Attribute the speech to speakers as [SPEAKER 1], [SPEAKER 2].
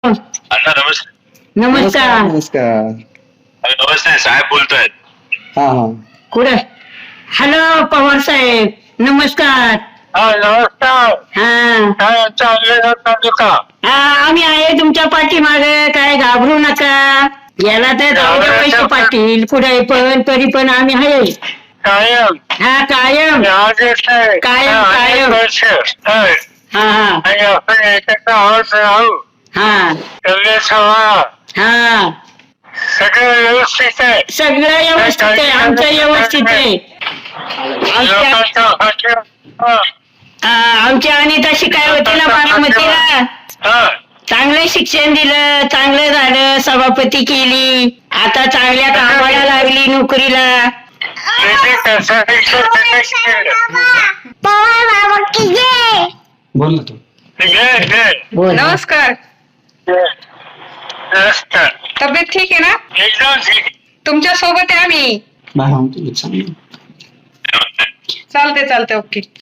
[SPEAKER 1] अण्णा नमस्कार.
[SPEAKER 2] नमस्कार.
[SPEAKER 3] नमस्कार.
[SPEAKER 1] नमस्ते साहेब बोलतोय.
[SPEAKER 3] हा हा.
[SPEAKER 2] कुठे? हॅलो पवार साहेब, नमस्कार.
[SPEAKER 1] नमस्कार.
[SPEAKER 2] हा
[SPEAKER 1] काय चाललंय का?
[SPEAKER 2] आम्ही आहे तुमच्या पाठीमागे, काय घाबरू नका. याला तर जाऊ द्या पैसे पाटील, पुढे पण तरी पण आम्ही आहे.
[SPEAKER 1] कायम
[SPEAKER 2] हा कायम कायम कायम. हा हा हा
[SPEAKER 1] सगळं व्यवस्थित आहे.
[SPEAKER 2] सगळं व्यवस्थित आहे, आमचं व्यवस्थित आहे. आमची अनिता शिकाय होती ना बारामतीला, चांगलं शिक्षण दिलं, चांगलं झालं, सभापती केली, आता चांगल्या कामाला लागली नोकरीला.
[SPEAKER 3] बोल ना तू.
[SPEAKER 4] नमस्कार. तब्येत ठीक आहे ना?
[SPEAKER 1] एकदम ठीक.
[SPEAKER 4] तुमच्या सोबत आहे आम्ही.
[SPEAKER 3] बाहेर आणतो, सांग.
[SPEAKER 4] चालते ओके.